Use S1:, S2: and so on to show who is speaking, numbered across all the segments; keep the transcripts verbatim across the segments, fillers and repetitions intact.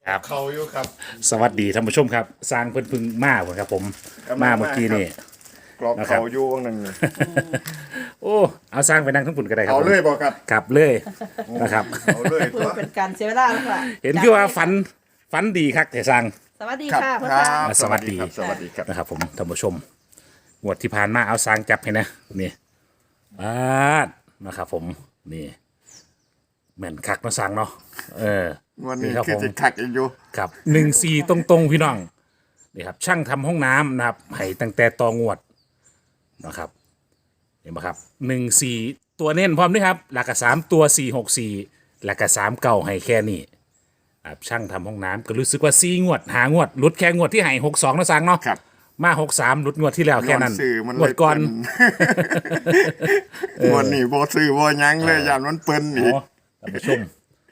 S1: ครับ
S2: เขาอยู่ครับ
S1: สวัสดีท่านผู้ชมครับสร้างเพิ่นเพึ่งมาเหมือนครับผม
S2: ครับ
S1: มาเมื่อกี้นี่
S2: กรอบ
S1: นะครับ
S2: เขาอยู่วงหนึ่ง
S1: โอ้เอาสร้างไปนั่งทั้งปุ่นก็ได้ครับ
S2: เอา
S1: ผม
S2: เลยบอกครับ
S1: กลับเลยนะครับ
S2: เอาเลย
S3: เพื่
S2: ตั
S3: อ
S2: ว
S3: เป็นการเสียเวลาแล้วล่ะ
S1: เห็นคือว่าฝันฝันดีครับแต่สร้าง
S3: สวัสดี
S2: ครับ
S3: ค่ะพ่อ
S2: ครั
S3: ตา
S2: บ
S1: สวัสดี
S2: ครับสวัสดีครับ
S1: นะครับผมท่านผู้ชมงวดที่ผ่านมาเอาสร้างจับให้นะนี่บาดนะครับผมนี่แม่นคักเนาะสร้างเนาะเออ
S2: วันนี้
S1: ครับ
S2: คือ
S1: ผม
S2: สิคักอีกอยู่
S1: ครับหนึ่งสี่ตรงๆพี่น้องนี่ครับช่างทำห้องน้ำนะครับให้ตั้งแต่ตองวดนะครับเห็นไหมครับหนึ่งสี่ตัวเน้นพร้อมด้วยครับหลักสามตัวสี่หกสี่หลักสามเก่าให้แค่นี้ครับช่างทำห้องน้ำก็รู้สึกว่าสี่งวดหางวดหลุดแค่งวดที่ให้หกสองนะสังเนาะ
S2: ครับ
S1: มาหกสามหลุดงวดที่แล้วแค่นั้น
S2: ย้อสื่อมัน
S1: งวดก่อน
S2: เปิ้วันนี้บ่ซื้อบ่หยังเลยยานมันเปิ้นอีก
S1: อ๋อท่านผู้ชม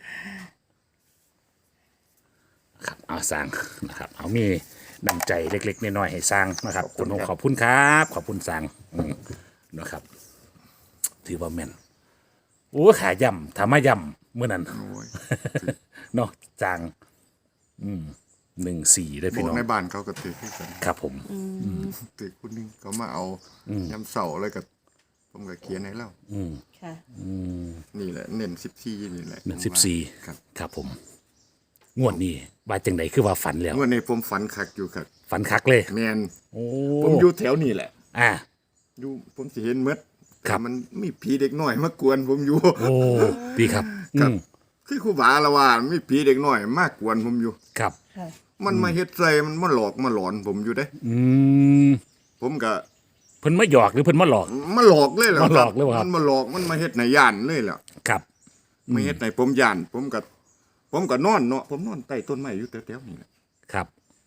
S1: ครับเอาสร้างนะครับเอามีน้ำใจเล็กๆน้อยๆให้สร้างนะครับคุณขอบคุณครับขอบคุณสร้างอืมนะครับถือว่าแม่นโอ้ขาย่ำทำมาย่ำเมื่อนั้น
S2: โอ้ย
S1: เนาะจางอืมหนึ่งสี่ได้
S2: บ
S1: พี่
S2: อก
S1: น้อง
S2: ในบ้านเขาก็ถือให้กัน
S1: ครับผม
S2: ถือคุณนึงเขามาเอายำเสาเลยกับผมก็เขียนให้แล้ว
S3: ค่ะ
S2: นี่แหละเน้นสิบสี่นี่แหละ
S1: หนึ่งสิบสี่
S2: ครับ
S1: ครับผม งวดนี้ว่าจังไดคือว่าฝันแล้ว
S2: เมื่อในผมฝันคักอยู่ครับ
S1: ฝันคักเลย
S2: แมน
S1: โอ้
S2: ผมอยู่แถวนี้แหละ
S1: อ่า
S2: อยู่ผมสิเห็นหมด
S1: ครับ
S2: แต่มันมีผีเด็กน้อยมากวนผมอยู่
S1: โอ้ดีครับ
S2: ครับ
S1: อืม
S2: คือครูบาละว่ามีผีเด็กน้อยมากกวนผมอยู่
S1: ครับ
S3: ค่ะ
S2: มันมาเฮ็ดใส่มันมาหลอกมาหลอนผมอยู่เด้
S1: อืม
S2: ผมก็
S1: เพิ่นมาหยอกหรือเพิ่นมาหลอก
S2: มาหลอกเลยแหละ
S1: มาหลอกเลยเหรอครับ
S2: มันมาหลอกมันมาเฮ็ดในย่านเลยแหละ
S1: ครับ
S2: มาเฮ็ดในผมย่าน ผมก็ผมก็นอนเนาะผมนอนใต้ต้นไม้อยู่แถวๆนี่แหละ
S1: ครับ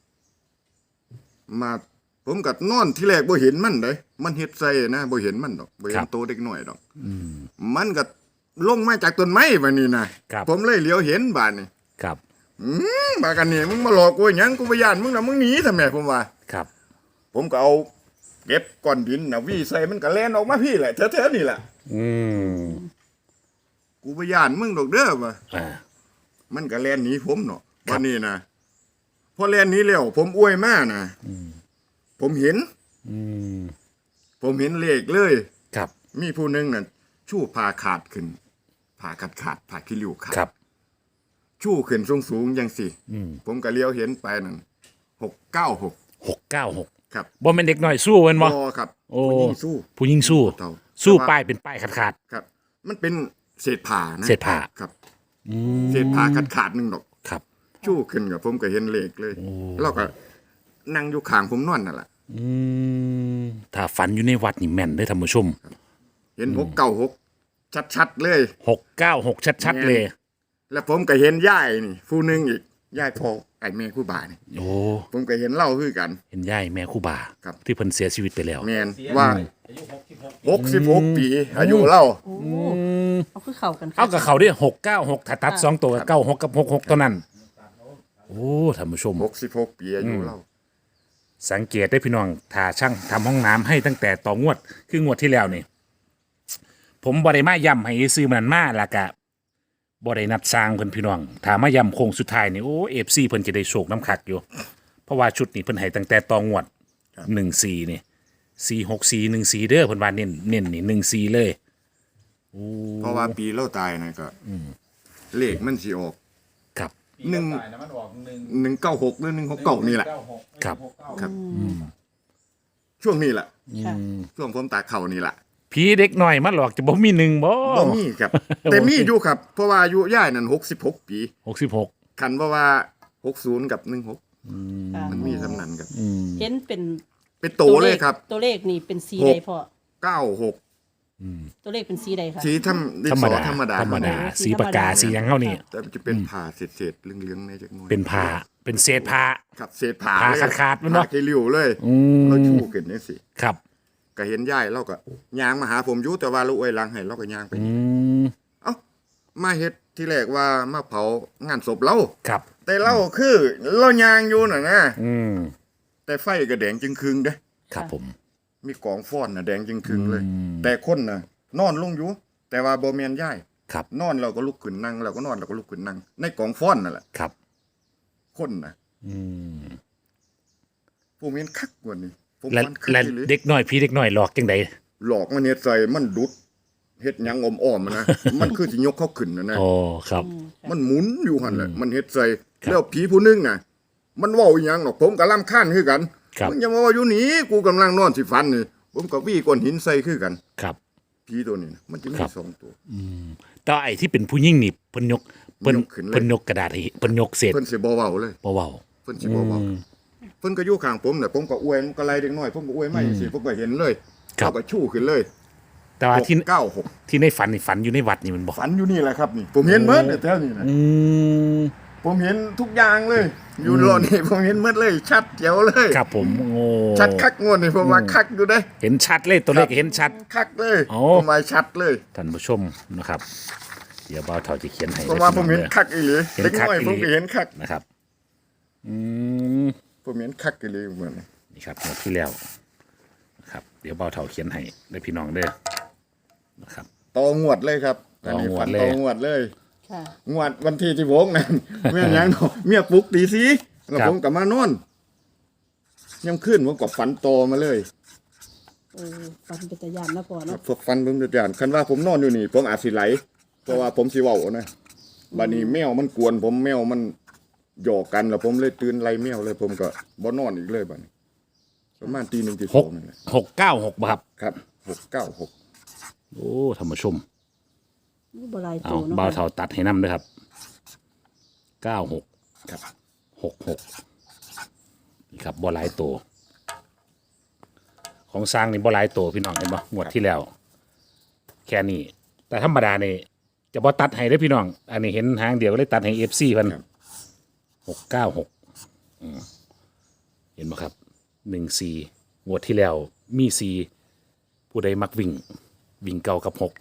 S2: มาผมก็นอนที่แรกบ่เห็นมันเด้มันเฮ็ดใส่นะบ่เห็นมันดอกบ่เห็
S1: ครั
S2: น
S1: บ
S2: โตเด็กน้อยดอกมันก็ลงมาจากต้นไม้บัดนี้นะครับ ผมเลยเหลียวเห็นบาดนี้
S1: ครับ
S2: อืมบากันนี่มึงมาหลอกกูหยังกูบ่ย่านมึงน่ะมึงหนีทำไมผมว่า
S1: ครับ
S2: ผมก็เอาเก็บก้อนดินน่ะวี่ใส่มันก็แล่นออกมาพี่แหละแถวๆนี่แหละ
S1: อืม
S2: กูบ่ย่านมึงดอกเด้อว่า
S1: อ่า
S2: มันก็แล่นหนีผมเนาะ
S1: ครับ
S2: วันนี้นะพอแล่นหนี้แล้วผมอวยมานะผมเห็น
S1: อืม
S2: ผมเห็นเลขเลย
S1: ครับ
S2: มีผู้หนึงน่ะชู้พาขาดขึ้นพาขาดขาดพาขี้ริ้วขาด
S1: ครับ
S2: ชู้ขึ้นสูงสูงๆจังสิ
S1: อืม
S2: ผมก็เลี้ยวเห็นไปนั่นหกเก้าหก
S1: หกเก้าหก
S2: ครับ
S1: บ่แม่นเด็กน้อยสู้เว้นบ่
S2: พอครับ
S1: โอ้
S2: ผู้หญิงสู้
S1: ผู้หญิงสู้
S2: เต่า
S1: สู้
S2: แต่ว่า
S1: ป้ายเป็นป้ายขาดขาด
S2: ครับ มันเป็นเศษผ้านะ
S1: เศษผ้า
S2: ครับ
S1: ๆอืม
S2: เศษผ้าขาดขาดๆหนึงดอก
S1: ครับ
S2: ชู้ขึ้นกับผมก็เห็นเลขเลย
S1: โอ้
S2: แล้วก็นั่งอยู่ข้างผมนอนนั่นแหละ
S1: อืมถ้าฝันอยู่ในวัดนี่แม่นเด้อท่านผู้ชม
S2: เห็นหกเก้าหกชัดๆเลย
S1: หกเก้าหกชัดๆเลย
S2: แล้วผมก็เห็นย่ายนี่ผู้หนึงอีกย่ายพ่อไอ้แม่คู่บานี่
S1: โอ้
S2: ผมก็เห็นเล่าคือกัน
S1: เห็นยายแม่ครู่บา
S2: ครับ
S1: ที่เพิ่นเสียชีวิตไปแล้ว
S2: แมนว่าหกสิบหกปี อายุเล่า
S3: โอ้เอาคือเข้ากันค่ะ
S1: เอากับเขาดิหกเก้าหกถ้าตัดสองตัวเก้าหกกับหกหกเท่านั้น โอ้ท่านผู้ชม
S2: หกสิบหกปีอายุเล่า
S1: สังเกตได้พี่น้องถ้าช่างทำห้องน้ำให้ตั้งแต่ต่องวด คืองวดที่แล้วนี่ ผมบริมาย่ำให้ซื้อมันมาและกะบรินัดสร้างเพิ่นพี่น้องถ้ามาย่ำโค้งสุดท้ายนี่โอ้เอฟซีเพิ่นจะได้โชคน้ำคักอยู่ เพราะว่าชุดนี้เพิ่นให้ตั้งแต่ต่องวดหนึ่งสี่นี่สี่หกสี่หนึ่งสี่เด้อเพิ่นว่าเน้นเน้นนี่หนึ่งสี่เลย
S2: เพราะว่าปีเล่าตายนะก็เลขมันสิออก
S1: ครับ
S2: หนึ่ง
S4: ตายนะมันออกหนึ่ง
S2: หนึ่งเก้าหกหรือหนึ่งหกเก้านี่แหละ
S4: เก้าหก
S1: ครับ
S4: หกเก้า
S2: ครับ ช่วงนี้แหละ
S3: ค่ะ
S2: ช่วงผมตาเข่านี่แหละ
S1: ผีเด็กหน่อยมาหลอกจะบ่มีหนึ่งบ่
S2: บ่มีครับ แต่มีอยู่ครับ เพราะว่าอายุย่ายนั่นหกสิบหกปี
S1: หกสิบหก
S2: คันเพราะว่าหกศูนย์กับหนึ่งหก
S3: ค่ะ
S2: มันมีสำนันครับ
S3: เห็นเป็น
S2: เป็นโตเลยครับ
S3: ตัวเลขนี่เป็นสี
S2: หก
S3: ใดพ่อ
S2: เก้าหก
S3: ตัวเลขเป็นสีใดคะ
S2: สีธรรมดิน
S1: ธรร
S2: ส
S1: ม
S2: อ
S1: ดา
S2: ธรรมดา
S1: ธรรมดา
S3: ธรรมดา
S1: สีปากกาสีหยังเฮานี่
S2: แต่มันจะเป็นผ่าเศษๆเหลืองๆในจักหน่อย
S1: เป็นผ้าเป็นเศษผ้า
S2: ครับเศษผ่า
S1: ผ่า
S2: เลย
S1: ขาดๆมันเนาะ
S2: ผ่าขี้ริ้วเลย
S1: อืม
S2: เราชูขึ้นนี่สิ
S1: ครับ
S2: ก็เห็นย่ายเราก็ย่างมาหาผมอยู่แต่ว่าลูกไอ้หลังให้เราก็ย่างไป
S1: อืม
S2: เอ้ามาเฮ็ดที่แรกว่ามาเผางานศพเรา
S1: ครับ
S2: แต่เราคือเราย่างอยู่น่ะนะ
S1: อืม
S2: แต่ไฟก็แดงจึงครึงเด้
S1: ครับผม
S2: มีกองฟ้อนน่ะแดงจึงครึงเลย แต่คนน่ะ นอนลงอยู่ แต่ว่าบ่แม่นย่าย
S1: ครับ
S2: นอนเราก็ลุกขึ้นนั่งเราก็นอนเราก็ลุกขึ้นนั่งในกองฟ้อนนั่นแหละ
S1: ครับ
S2: คนนะ
S1: อืม
S2: ผมเห็นคักกว่านี้ผม
S1: และ
S2: ฟันคัก
S1: และ
S2: อีหลี
S1: เด็กน้อยพี่เด็กน้อยหลอกจังได
S2: หลอกมันเฮ็ดใส่มันดุดเฮ็ดหยังอ้อมๆอะนะ มันคือสิยกเขาขึ้นนะนะ
S1: อ๋อครับ
S2: มันหมุนอยู่หั่นแหละมันเฮ็ดใส่
S1: ครับ
S2: แล้วผีผู้หนึงน่ะ มันเว้าอีหยังหรอกผมก็รำคาญคือกัน
S1: ครับ
S2: มึงอย่ามาเว่าอยู่นี่กูกำลังนอนสิฝันนี่ผมก็วี่ก้อนหินใส่คือกัน
S1: ครับ
S2: ผีตัวนี้นะมันจะมี
S1: ครับ
S2: สองตัว
S1: แต่ว่าไอ้ที่เป็นผู้หญิงนี่เพิ่นยกเพิ่น
S2: ยกขึ้นเลย
S1: เพิ่นยกกระดาษให้เพิ่นยกเศษ
S2: เพิ่นสิบ่เว้าเลย
S1: บ่เว้า
S2: เพิ่นสิบ่เว้าเพิ่นก็อยู่ข้างผมน่ะผมก็อวยมันก็ไล่เด็กน้อยผมก็อวยมาจังซี่ผมก็เห็นเลย
S1: ครับ
S2: เขาก็ชู้ขึ้นเลย
S1: แต่ว่าที่
S2: หกเก้าหก
S1: ที่ในฝันนี่ฝันอยู่ในวัดนี่มันบ่
S2: ฝันอยู่นี่แหละครับนี่ผมเห็นหมดเนี่ยแถวนี้นะ
S1: อืม
S2: ผมเห็นทุกอย่างเลย อยู่รอนี่ผมเห็นหมดเลย ชัดเจ๋วเลย
S1: ครับผมโอ้
S2: ชัดคักงวดนี่ผมว่าคักอยู่เด้
S1: เห็นชัดเลยตัวเลขเห็นชัด
S2: คักเลย
S1: โอ้
S2: ผมว่าชัดเลย
S1: ท่านผู้ชมนะครับ เดี๋ยวเบาเท่าจะเขียนให้
S2: ผมว่าผม
S1: ด้
S2: เห็น
S1: อ
S2: คักอีหลี
S1: เห็น
S2: เล็ก
S1: คัก
S2: น้อย
S1: อีหลี
S2: ผมก็เห็นคัก
S1: นะครับ อืม
S2: ผมเห็นคักอีหลีเหมือน
S1: นี่ครับหมดที่แล้วนะครับ เดี๋ยวเบาเท่าเขียนให้ได้พี่น้องเด้อนะครับ
S2: ต่องวดเลยครับ
S1: ต่องวด
S2: น
S1: เลย
S2: นี้ฝันต่องวดเลย
S3: ค่ะ
S2: งวดวันที่ที่ผมนั่น เมียหยังเนาะเมียปลุกตีสีแล้วผมก็มานอนยังขึ้นผมก็ฝันโตอมาเลย
S3: เออฟันเป็นตะยานนะพอเนาะ
S2: พวกฟันผมจะจานคันว่าผมนอนอยู่นี่ ผมอาจสิไหล เพราะว่าผมสิเว้านะบัดนี้แมวมันกวน ผมแมวมันหยอกกันแล้วผมเลยตื่นไล่แมวเลย ผมก็บ่นอนอีกเลยบัดนี้ประมาณตีหนึ่งตี
S1: ห
S2: สอก งนั่นแหละ
S1: หกเก้าหกบ่ครับ
S2: ครับหกเก้าหก
S1: โอ้ท่านผู้ชม
S3: นี่บ่หลาย
S1: เอา
S3: ตัวเนาะ
S1: เบาเท่าตัดให้นำด้วยครับเก้าหก
S2: ครับ
S1: หกหกนี่ครับบ่หลายตัวของสร้างนี่บ่หลายตัวพี่น้องเห็นบ่งวดที่แล้ว แค่นี้ แต่ธรรมดานี่จะบ่ตัดให้เด้อพี่น้อง อันนี้เห็นหางเดียวก็เลยตัดให้ เอฟ ซี เพิ่น
S2: ครับ
S1: หกเก้าหกอืมเห็นบ่ครับหนึ่งสี่งวดที่แล้ว มีสี่ผู้ใดมักวิ่ง วิ่งเก่ากับหก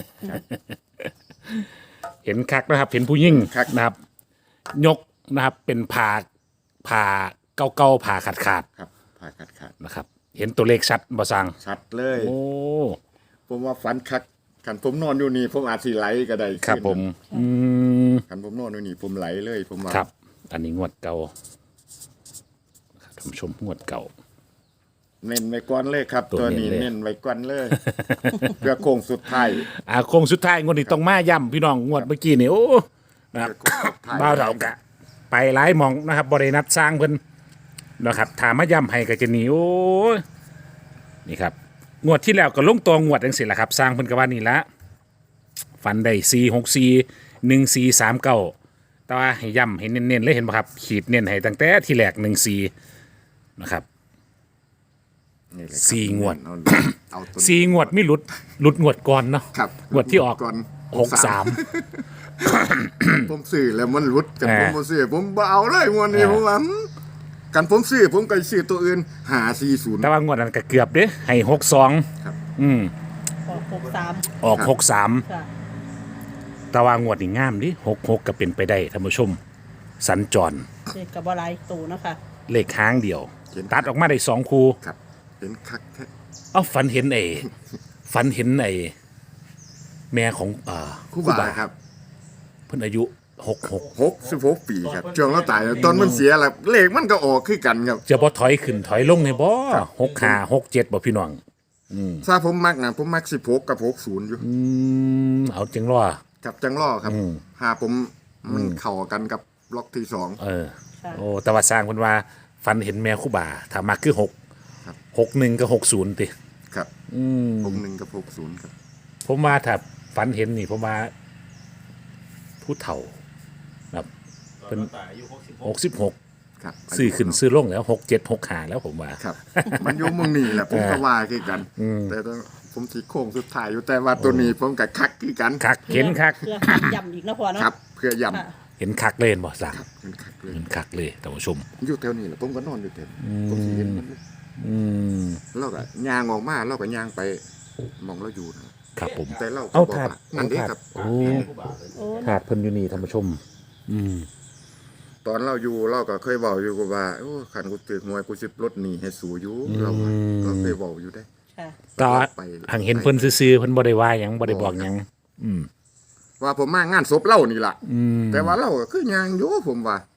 S1: เห็นคักนะครับ เห็นผู้ยิ่ง
S2: คัก
S1: นะครับ ยกนะครับ เป็นผ่าผ่าเก่าเก่าๆผ่าขาดขาด
S2: ครับผ่าขาดขาด
S1: ๆนะครับ เห็นตัวเลขชัดบ่สัง
S2: ชัดเลย
S1: โอ้
S2: ผมว่าฝันคักคันผมนอนอยู่นี่ผมอาจสิไหลก็ได้
S1: ครับผม อืม
S2: คันผมนอนอยู่นี่ผมไหลเลยผมว่า
S1: ครับ อันนี้งวดเก่านะครับท่านผู้ชมงวดเก่า
S2: เน้นไว้ก่อนเลยครับ
S1: ตัว
S2: ตัว
S1: เน้น
S2: นี้
S1: เลย
S2: เน้นไว้ก่อนเลย เพื่อโค้งสุดท้าย
S1: อ่าโคงสุดท้ายงวดนี้ต้องมาย่ำพี่น้องงวดเมื่อกี้นี่โอ้นะครับ
S2: โค้งสุดท้าย
S1: บ้าวเถากะ ไปหลายหมองนะครับบรินัดสร้างเพิ่นนะครับถามมาย่ำให้ก็จะหนีโอ้ยนี่ครับงวดที่แล้วก็ลงตัวงวดจังสิแหละครับ สร้างเพิ่นก็ว่านี่ละฟันได้สี่หกสี่หนึ่งสี่สามเก้าแต่ว่าให้ย่ำให้เน้นๆเลยเห็นไหมครับ ขีดเน้นให้ตั้งแต่ที่แรกหนึ่งสี่นะครับ
S2: นี่เลยครับ
S1: สี่งวด
S2: เอาเอาตัว
S1: สี่งวดไม่หลุดหลุดงวดก่อนเนาะ
S2: ครับ
S1: งวดที่ออก
S2: ก่อน
S1: หกสาม
S2: ผมซื้อแล้วมันรุดกัน
S1: เออ
S2: ผมบ่ซื้อผมบ่เอาเลยงวดนี้
S1: เออ
S2: ผมว่ากันผมซื้อผมก็ซื้อตัวอื่นหาสี่ศูนย์
S1: แต่ว่างวดนั้นก็เกือบเด้ให้หกสอง
S2: ครับ
S1: อืม
S3: ออกหกสาม
S1: ออกหกสาม
S3: ค่ะ
S1: แต่ว่างวดนี่งามดิหกหกก็เป็นไปได้ท่านผู้ชม สัญจร
S3: เด็กกับบ่หลายตัวเนาะค่ะ
S1: เลขค้างเดียว ตัดออกมาได้สองคู
S2: ครับเห็นคักแท้
S1: เอ้าฝันเห็นไอ้ฝันเห็นไอ้แม่ของอ่า
S2: ครูบาครับ
S1: เพิ่นอายุหกหก
S2: หกสิบหกปีครับช่วงเราตายแล้วตอนมันเสียแล้วเลขมันก็ออกคือกันครับ
S1: จะบ่ถอยขึ้นถอยลงในบ่หกห้าหกเจ็ดบ่พี่น้อง
S2: ถ้าผมมักนะผมมักสิบหกกับหกศูนย์อยู่
S1: อืมเอาจังรอ
S2: กับจังล่อครับ
S1: อืม
S2: หาผมมันเข้ากันกับล็อกที่สอง
S1: เออ
S3: ค่ะ
S1: โอ้แต่ว่าสร้างเพิ่นว่าฝันเห็นแม่ครูบาถ้ามักคือหก
S2: ครับ
S1: หกหนึ่งกับหกศูนย์ติ
S2: ครับ
S1: อืม
S2: หกหนึ่งกับหกศูนย์ครับ
S1: ผมว่าถ้าฝันเห็นนี่ผมว่าผู้เฒ่าแบบเป็นหกสิบหก
S2: ครับ
S1: ซื้อขึ้นซื้อลงแล้วหกเจ็ดหกขาแล้วผมว่า
S2: ครับ มันอยู่เมืองนี่แหละผมก็ว่าคือกัน แต่ต้องผมสีโค้งสุดท้ายอยู่แต่ว่าตัวนี้ผมกับคักคือกัน
S1: คักเห็นคัก
S3: เพื่อให้ย่ำอีกนะพอเนาะ
S2: ครับ เพื่อย
S3: ค่ะ
S1: เห็นคักเลยเห็นบ่สั่ง
S2: ำเป็นคักเลย
S1: เห็นคักเลยท่านผู้ชม
S2: อยู่แถวนี้แหละผมก็นอนอยู่แถวนี้ผมสิเห็นมัน
S1: อืม
S2: เราก็ย่างออกมาเราก็ย่างไปมองเราอยู่นะครับ
S1: ผม
S2: แต่เราก็
S1: เอา
S2: บอก
S1: ถาด
S2: ว่านั่นเด้ครับ
S1: โอ้
S3: โอ้
S1: ถาดเพิ่นอยู่นี่ท่านผู้ชม อืม
S2: ตอนเราอยู่เราก็เคยบอกอยู่กับว่าโอ้ขันกูตึกหวยกูสิบรถหนีให้สูอยู่เราว่าเราเคยบอกอยู่ได้
S3: ค่ะ
S1: ก็
S2: ไป
S1: หังเห็นเพิ่นซื่อๆเพิ่นบ่ได้ว่าหยังบ่ได้บอกหยังอืม
S2: ว่าผมมางานศพเล่านี่ล่ะ
S1: อืม
S2: แต่ว่าเราก็คือย่างอยู่ผมว่า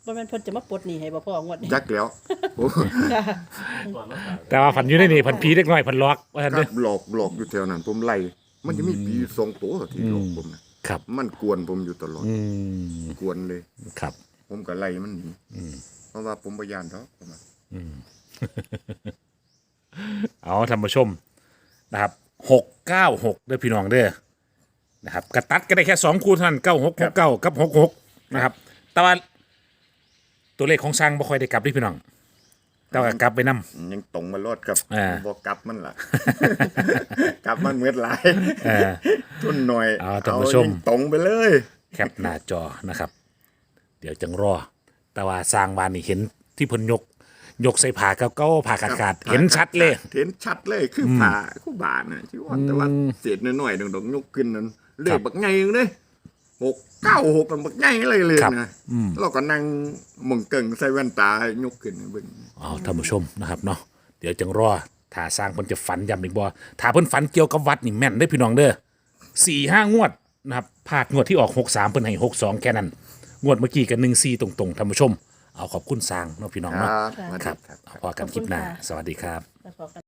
S3: บ่แม่นเพิ่นจะมาปลดหนี้ให้บ่พ่องวดนี้
S2: จักแล้วโอ้
S3: ค่ะ
S1: แต่ว่าฝันอยู่ในนี่ฝันผีเล็กน้อยฝันล็อกว่าซั่น
S2: ค
S1: เด้
S2: รั
S1: อบ
S2: หลอกหลอกอยู่แถวนั้น ผมไล่มันจะมีปีสองตัวที่หลอกผมนะครับ มันกวนผมอยู่ตลอด
S1: อืม
S2: กวนเลย
S1: ครับ
S2: ผมก็ไล่มันหนีเพราะว่าผมบ่ย่านดอกผมว่า
S1: เอาท่านผู้ชมนะครับหกเก้าหกเด้อพี่น้องเด้อนะครับกระตัดก็ได้แค่สองคู่เท่านั้นเก้าหกหกเก้ากับหกหกนะครับแต่ว่าตัวเลขของสร้างบ่ค่อยได้กลับเด้วยพี่น้อง แต่ว่ากลับไปนํ
S2: ยังตรงมารอดกับ
S1: อ่า
S2: บ่กลับมันล่ะ กลับมันเมื่อหลาย
S1: เออ
S2: ทุนหน่อย
S1: เอาท่านผู้ชม
S2: ยิงตรงไปเลย
S1: แคปหน้าจอนะครับ เดี๋ยวจังรอ แต่ว่าสร้างวานนี่เห็นที่เพนยก ยกใส่ผ่าเก้าๆผ่าขาดขาดๆเห็นชัดเลย
S2: เห็นชัดเลยคือผ่าคู่บาทน่ะที่ว่าแต่ว่าเศษน้อยๆดงๆยกขึ้นนั้นเลขบักใหญ่เลยหกเก้าหกมันบักใหญ่เลยเลย
S1: ครับ
S2: นะเราก็นั่งมองเก่งใส่แว่นตายกขึ้นเบิ่ง
S1: เอาท่านผู้ชมนะครับเนาะเดี๋ยวจังรอถ้าสร้างเพิ่นจะฝันย้ำอีกบ่ถ้าเพิ่นฝันเกี่ยวกับวัดนี่แม่นได้อพี่น้องเด้อสี่ห้างวดนะครับพลาดงวดที่ออกหกสามเพิ่นให้หกสองแค่นั้น งวดเมื่อกี้กันหนึ่งสี่ตรงๆท่านผู้ชม เอาขอบคุณสร้างเนาะพี่น้อง
S2: ค
S1: เนาะ
S2: รับ
S3: ค่ะ
S2: สวัสดี
S1: ครับ
S2: ครับ
S1: เอาพอกันคลิปหน้าสวัสดีครับ
S3: แล้วพอกัน